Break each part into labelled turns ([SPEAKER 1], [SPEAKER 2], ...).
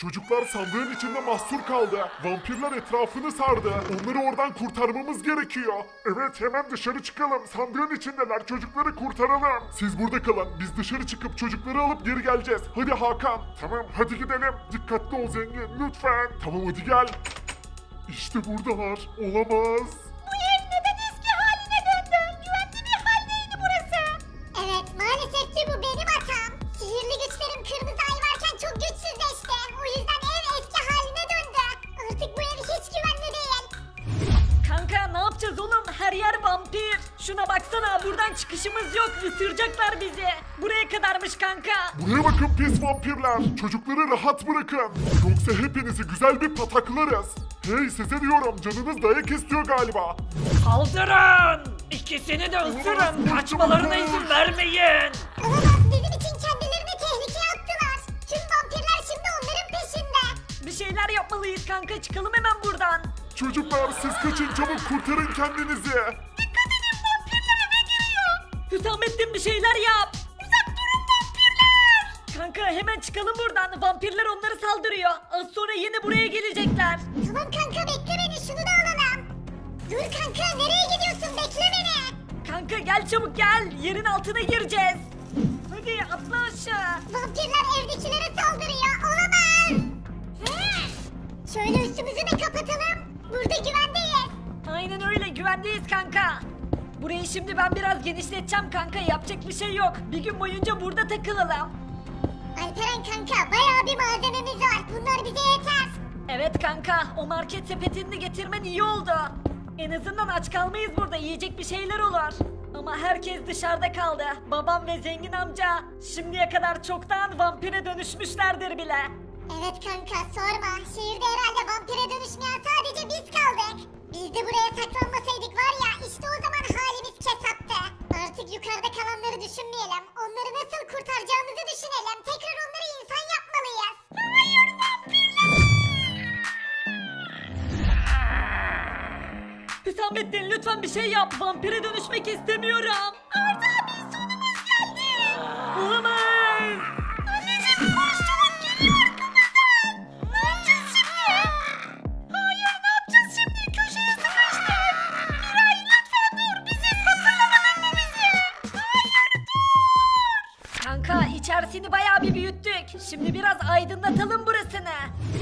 [SPEAKER 1] Çocuklar sandığın içinde mahsur kaldı. Vampirler etrafını sardı. Onları oradan kurtarmamız gerekiyor. Evet, hemen dışarı çıkalım. Sandığın içindeler. Çocukları kurtaralım. Siz burada kalın. Biz dışarı çıkıp çocukları alıp geri geleceğiz. Hadi Hakan. Tamam, hadi gidelim. Dikkatli ol zengin lütfen. Tamam, hadi gel. İşte buradalar. Olamaz.
[SPEAKER 2] Bu ev neden eski haline döndü? Güvenli bir haldeydi burası. Evet, maalesef ki bu benim hatam. Sihirli güçlerim kırmızı ay varken çok güçsüzleşti. O yüzden ev eski haline döndü. Artık bu ev hiç güvenli değil.
[SPEAKER 3] Kanka ne yapacağız oğlum? Her yer vampir. Şuna baksana, buradan çıkışımız yok. Isıracaklar bizi. Buraya kadarmış kanka.
[SPEAKER 1] Buraya bakın pis vampirler. Çocukları rahat bırakın. Yoksa hepinizi güzel bir pataklarız. Hey, size diyorum, canınız dayak istiyor galiba.
[SPEAKER 3] Saldırın! İkisini de ısırın. Kaçmalarına izin vermeyin.
[SPEAKER 2] Olamaz, bizim için kendilerini tehlikeye attılar. Tüm vampirler şimdi onların peşinde.
[SPEAKER 3] Bir şeyler yapmalıyız kanka. Çıkalım hemen buradan.
[SPEAKER 1] Çocuklar siz kaçın, çabuk kurtarın kendinizi.
[SPEAKER 3] Dikkat edin, vampirler eve giriyor. Hüsamettin bir şeyler yap. Uzak durun vampirler. Kanka hemen çıkalım buradan. Vampirler onları saldırıyor. Az sonra yine buraya gelecekler.
[SPEAKER 2] Tamam kanka, bekle beni, şunu da alalım. Dur kanka, nereye gidiyorsun, bekle beni.
[SPEAKER 3] Kanka gel çabuk gel. Yerin altına gireceğiz. Hadi atla aşağı.
[SPEAKER 2] Vampirler evdekilere saldırıyor, olamaz. Şöyle üstümüzü de kapatalım. Burada güvendeyiz.
[SPEAKER 3] Aynen öyle, güvendeyiz kanka. Burayı şimdi ben biraz genişleteceğim kanka. Yapacak bir şey yok. Bir gün boyunca burada takılalım.
[SPEAKER 2] Alperen kanka, bayağı bir malzememiz var. Bunlar bize yeter.
[SPEAKER 3] Evet kanka, o market sepetini getirmen iyi oldu. En azından aç kalmayız burada, yiyecek bir şeyler olur. Ama herkes dışarıda kaldı. Babam ve zengin amca şimdiye kadar çoktan vampire dönüşmüşlerdir bile.
[SPEAKER 2] Evet kanka, sorma. Şehirde herhalde vampire dönüşmeyen sadece biz kaldık. Biz de buraya saklanmasaydık var ya, işte o zaman halimiz kesattı. Artık yukarıda kalanları düşünmeyelim. Onları nasıl kurtaracağımızı düşünelim. Tekrar onları insan yapmalıyız. Hayır, vampirler!
[SPEAKER 3] Hüsamettin lütfen bir şey yap. Vampire dönüşmek istemiyorum.
[SPEAKER 2] Arda abi, sonumuz geldi.
[SPEAKER 3] Olamaz.
[SPEAKER 2] Anneciğim koş, çabuk geliyor arkamızdan. Ne yapacağız şimdi? Hayır, ne yapacağız şimdi? Köşeye sıkıştık. Miray lütfen dur, biziz, hatırladın annemizi. Hayır, dur.
[SPEAKER 3] Kanka içerisini bayağı bir büyüttük. Şimdi biraz aydınlatalım burasını.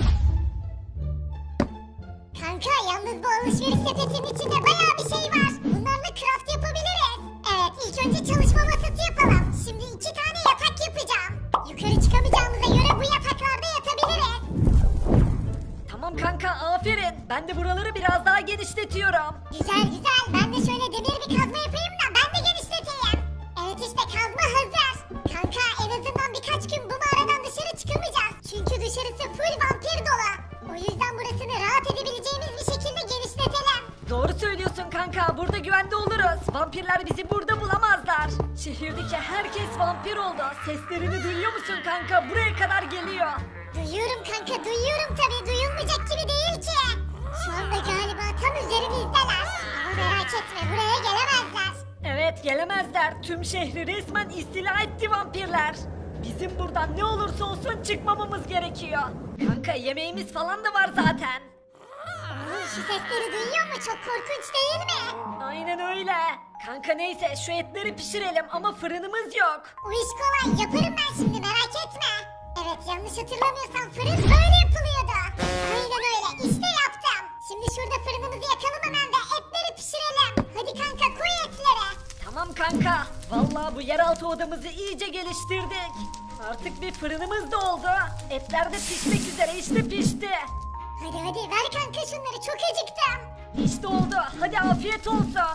[SPEAKER 2] Kanka, yalnız bu alışveriş sepetinin içinde bayağı bir şey var. Bunlarla craft yapabiliriz. Evet, ilk önce çalışma masası yapalım. Şimdi 2 tane yatak yapacağım. Yukarı çıkamayacağımıza göre bu yataklarda yatabiliriz.
[SPEAKER 3] Tamam kanka, aferin. Ben de buraları biraz daha genişletiyorum.
[SPEAKER 2] Güzel güzel, ben de şöyle demir bir kazma yapayım da ben de genişleteyim. Evet, işte kazma hazır. Kanka, en azından birkaç gün bu mağaradan dışarı çıkamayacağız. Çünkü dışarısı full vampir dolu. O yüzden burasını rahat edebileceğimiz bir şekilde genişletelim.
[SPEAKER 3] Doğru söylüyorsun kanka, burada güvende oluruz. Vampirler bizi burada bulamazlar. Şehirdeki herkes vampir oldu. Seslerini duyuyor musun kanka? Buraya kadar geliyor.
[SPEAKER 2] Duyuyorum kanka, duyuyorum tabii, duyulmayacak gibi değil ki. Şu anda galiba tam üzerimizdeler. Ama merak etme, buraya gelemezler.
[SPEAKER 3] Evet, gelemezler. Tüm şehri resmen istila etti vampirler. Bizim buradan ne olursa olsun çıkmamamız gerekiyor. Kanka yemeğimiz falan da var zaten.
[SPEAKER 2] Şu sesleri duyuyor mu? Çok korkunç değil mi?
[SPEAKER 3] Aynen öyle. Kanka neyse şu etleri pişirelim ama fırınımız yok.
[SPEAKER 2] O iş kolay, yaparım ben şimdi, merak etme. Evet, yanlış hatırlamıyorsam fırın böyle yapılıyordu. Aynen öyle, işte yaptım. Şimdi şurada fırınımızı yakalım hemen ve etleri pişirelim. Hadi kanka, koy etleri.
[SPEAKER 3] Tamam kanka. Vallahi bu yeraltı odamızı iyice geliştirdik. Artık bir fırınımız da oldu. Etler de pişmek üzere, işte pişti.
[SPEAKER 2] Hadi hadi, ver kanka şunları, çok acıktım.
[SPEAKER 3] İşte oldu. Hadi afiyet olsun.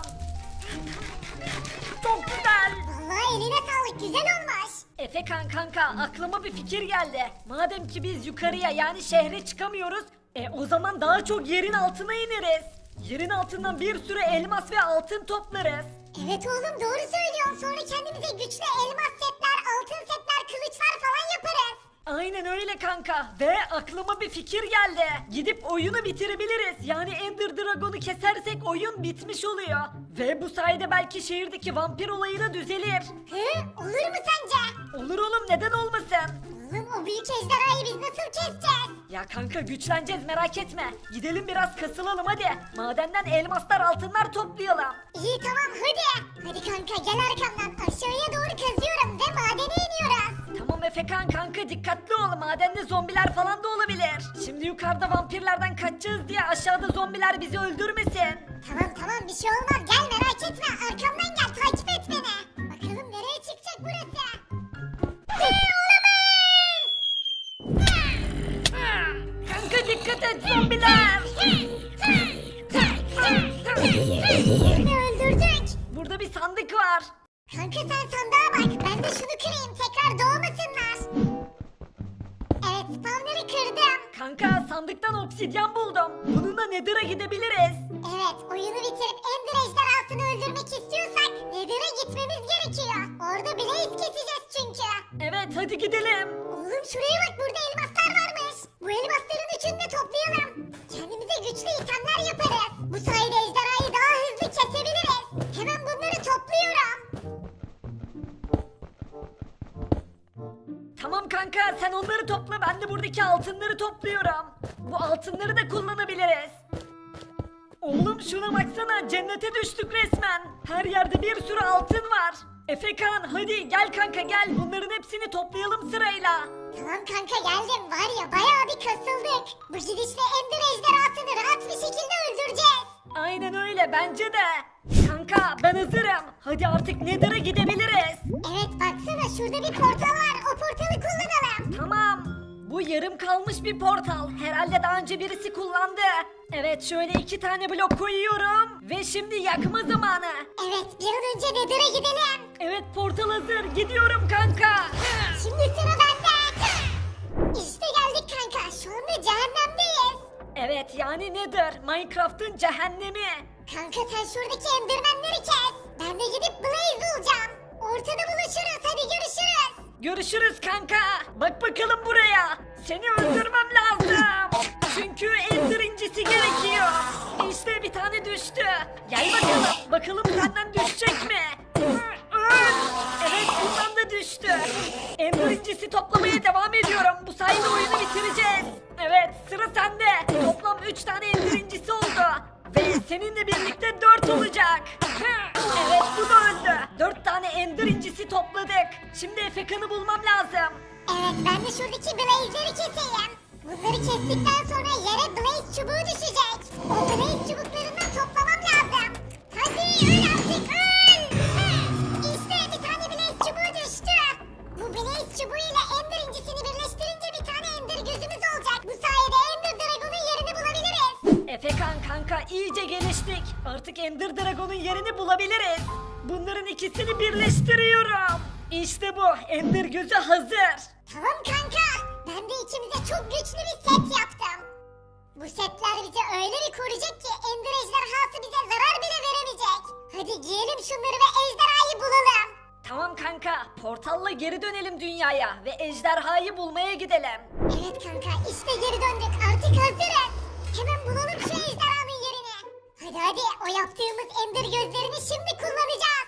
[SPEAKER 3] Çok güzel.
[SPEAKER 2] Vallahi eline sağlık, güzel olmuş.
[SPEAKER 3] Efekan kanka, aklıma bir fikir geldi. Madem ki biz yukarıya yani şehre çıkamıyoruz, o zaman daha çok yerin altına ineriz. Yerin altından bir sürü elmas ve altın toplarız.
[SPEAKER 2] Evet oğlum, doğru söylüyorsun. Sonra kendimize güçlü elmas setler, altın setler, kılıçlar falan yaparız.
[SPEAKER 3] Aynen öyle kanka. Ve aklıma bir fikir geldi. Gidip oyunu bitirebiliriz. Yani Ender Dragon'u kesersek oyun bitmiş oluyor. Ve bu sayede belki şehirdeki vampir olayı da düzelir.
[SPEAKER 2] Hı? Olur mu sence?
[SPEAKER 3] Olur oğlum, neden olmasın?
[SPEAKER 2] Oğlum, o büyük ejderhayı biz nasıl keseceğiz?
[SPEAKER 3] Ya kanka güçleneceğiz merak etme. Gidelim biraz kasılalım hadi. Madenden elmaslar altınlar toplayalım.
[SPEAKER 2] İyi tamam hadi. Hadi kanka gel arkamdan aşağıya doğru kazıyorum ve madene iniyoruz.
[SPEAKER 3] Tamam Efekan kanka dikkatli ol. Madende zombiler falan da olabilir. Şimdi yukarıda vampirlerden kaçacağız diye aşağıda zombiler bizi öldürmesin.
[SPEAKER 2] Tamam bir şey olmaz gel merak etme arkamdan gel takip et beni. Bakalım nereye çıkacak burası.
[SPEAKER 3] Kanka dikkat et zombiler.
[SPEAKER 2] Birini öldürdük.
[SPEAKER 3] Burada bir sandık var.
[SPEAKER 2] Kanka sen sandığa bak ben de şunu kırayım tekrar doğmasınlar. Evet spawner'ı kırdım.
[SPEAKER 3] Kanka sandıktan obsidyen buldum. Bununla Nether'a gidebiliriz.
[SPEAKER 2] Evet oyunu bitirip Ender ejderhasını öldürmek istiyorsak Nether'a gitmemiz gerekiyor. Orada Blaze keseceğiz çünkü.
[SPEAKER 3] Evet hadi gidelim.
[SPEAKER 2] Oğlum şuraya bak burada elmaslar varmış. Bu elmasların üçünü de toplayalım. Kendimize güçlü itemler yaparız. Bu sayede ejderhayı daha hızlı kesebiliriz. Hemen bunları topluyorum.
[SPEAKER 3] Tamam kanka sen onları topla ben de buradaki altınları topluyorum. Bu altınları da kullanabiliriz. Oğlum şuna baksana cennete düştük resmen. Her yerde bir sürü altın var. Efekan hadi gel kanka gel bunların hepsini toplayalım sırayla.
[SPEAKER 2] Tamam kanka geldim var ya bayağı bir kasıldık. Bu gidişle Ender ejderhasını rahat bir şekilde öldüreceğiz.
[SPEAKER 3] Aynen öyle bence de. Kanka ben hazırım. Hadi artık Nether'a gidebiliriz.
[SPEAKER 2] Evet baksana şurada bir portal var o portalı kullanalım.
[SPEAKER 3] Tamam. Bu yarım kalmış bir portal. Herhalde daha önce birisi kullandı. Evet şöyle 2 tane blok koyuyorum. Ve şimdi yakma zamanı.
[SPEAKER 2] Evet bir an önce Nether'a gidelim.
[SPEAKER 3] Evet portal hazır. Gidiyorum kanka.
[SPEAKER 2] Şimdi sıra bende. İşte geldik kanka şu anda cehennemdeyiz.
[SPEAKER 3] Evet yani Nether. Minecraft'ın cehennemi.
[SPEAKER 2] Kanka sen şuradaki endermenleri kes. Ben de gidip Blaze bulacağım. Ortada buluşuruz hadi görüşürüz.
[SPEAKER 3] Görüşürüz kanka. Bak bakalım buraya. Seni öldürmem lazım. Çünkü Ender incisi gerekiyor. İşte bir tane düştü. Gel bakalım. Bakalım senden düşecek mi? Evet bundan da düştü. Ender incisi toplamaya devam ediyorum. Bu sayede oyunu bitireceğiz. Evet sıra sende. Toplam 3 tane Ender incisi oldu. Ve seninle birlikte 4 olacak. Evet bu da öldü. 4 tane Ender incisi topladık. Şimdi Efekan'ı bulmam lazım.
[SPEAKER 2] Evet ben de şuradaki Blaze'leri keseyim. Bunları kestikten sonra yere Blaze çubuğu düşecek. O Blaze çubuklarından toplamam lazım. Hadi öl artık öl. İşte bir tane Blaze çubuğu düştü. Bu Blaze çubuğu ile Ender incisini birleştirince bir tane Ender gözümüz olacak. Bu sayede Ender Dragon'un yerini bulabiliriz.
[SPEAKER 3] Efekan kanka iyice geliştik. Artık Ender Dragon'un yerini bulabiliriz. Bunların ikisini birleştiriyorum. İşte bu Ender gözü hazır.
[SPEAKER 2] Tamam kanka. Ben de ikimize çok güçlü bir set yaptım. Bu setler bizi öyle bir koruyacak ki Ender ejderhası bize zarar bile veremeyecek. Hadi giyelim şunları ve ejderhayı bulalım.
[SPEAKER 3] Tamam kanka portalla geri dönelim dünyaya ve ejderhayı bulmaya gidelim.
[SPEAKER 2] Evet kanka işte geri döndük artık hazırız. Hemen bulalım şu ejderhanın yerini. Hadi o yaptığımız Ender gözlerini şimdi kullanacağız.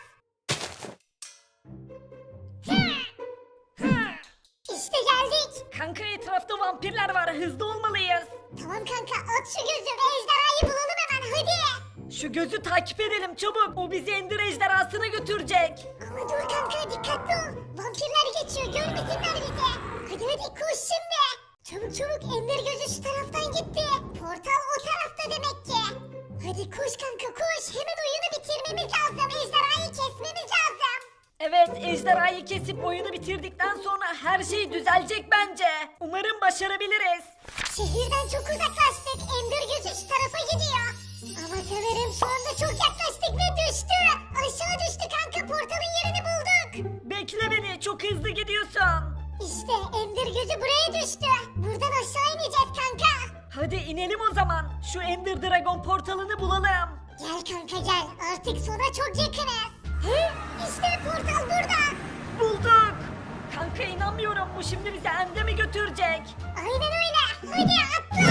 [SPEAKER 2] İşte geldik.
[SPEAKER 3] Kanka etrafta vampirler var hızlı olmalıyız.
[SPEAKER 2] Tamam kanka at şu gözü ve ejderhayı bulalım hemen hadi.
[SPEAKER 3] Şu gözü takip edelim çabuk. O bizi Ender ejderhasına götürecek.
[SPEAKER 2] Ama dur kanka dikkatli ol. Vampirler geçiyor görmesinler bizi. Hadi koş şimdi. Çabuk Ender gözü şu taraftan gitti. Portal o tarafta demek ki. Hadi koş kanka koş. Hemen oyunu bitirmemiz lazım. Ejderhayı kesmemiz lazım.
[SPEAKER 3] Evet ejderhayı kesip oyunu bitirdikten sonra her şey düzelecek bence. Umarım başarabiliriz.
[SPEAKER 2] Şehirden çok uzaklaştık. Ender gözü şu tarafa gidiyor. Ama sanırım şu anda çok yaklaştık ve düştü. Aşağı düştü kanka portalın yerini bulduk.
[SPEAKER 3] Bekle beni çok hızlı gidiyorsun.
[SPEAKER 2] İşte Ender gözü buraya düştü. Buradan aşağı ineceğiz kanka.
[SPEAKER 3] Hadi inelim o zaman. Şu Ender Dragon portalını bulalım.
[SPEAKER 2] Gel kanka gel. Artık sona çok yakınız. Hı? İşte portal burada.
[SPEAKER 3] Bulduk. Kanka inanmıyorum bu şimdi bizi End'e mi götürecek?
[SPEAKER 2] Aynen öyle. Hadi atla.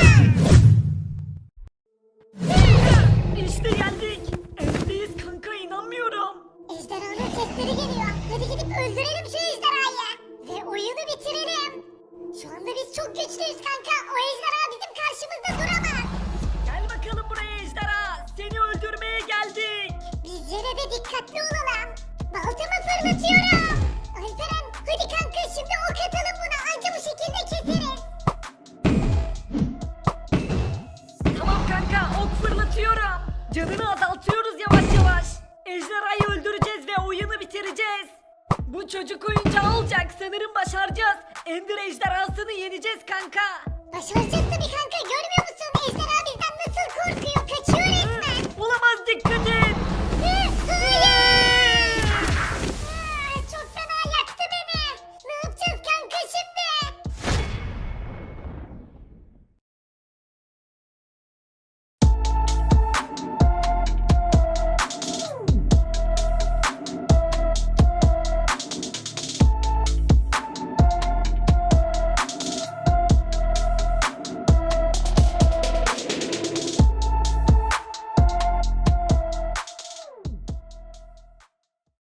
[SPEAKER 3] İşte geldik. End'deyiz kanka inanmıyorum.
[SPEAKER 2] Ejderhanın sesleri geliyor. Hadi gidip öldürelim şu ejderhayı. Ve oyunu bitirelim. Şu anda biz çok güçlüyüz kanka. O ejderha
[SPEAKER 3] Canını azaltıyoruz yavaş yavaş. Ejderhayı öldüreceğiz ve oyunu bitireceğiz. Bu çocuk oyuncağı olacak. Sanırım başaracağız. Ender ejderhasını yeneceğiz kanka.
[SPEAKER 2] Başaracağız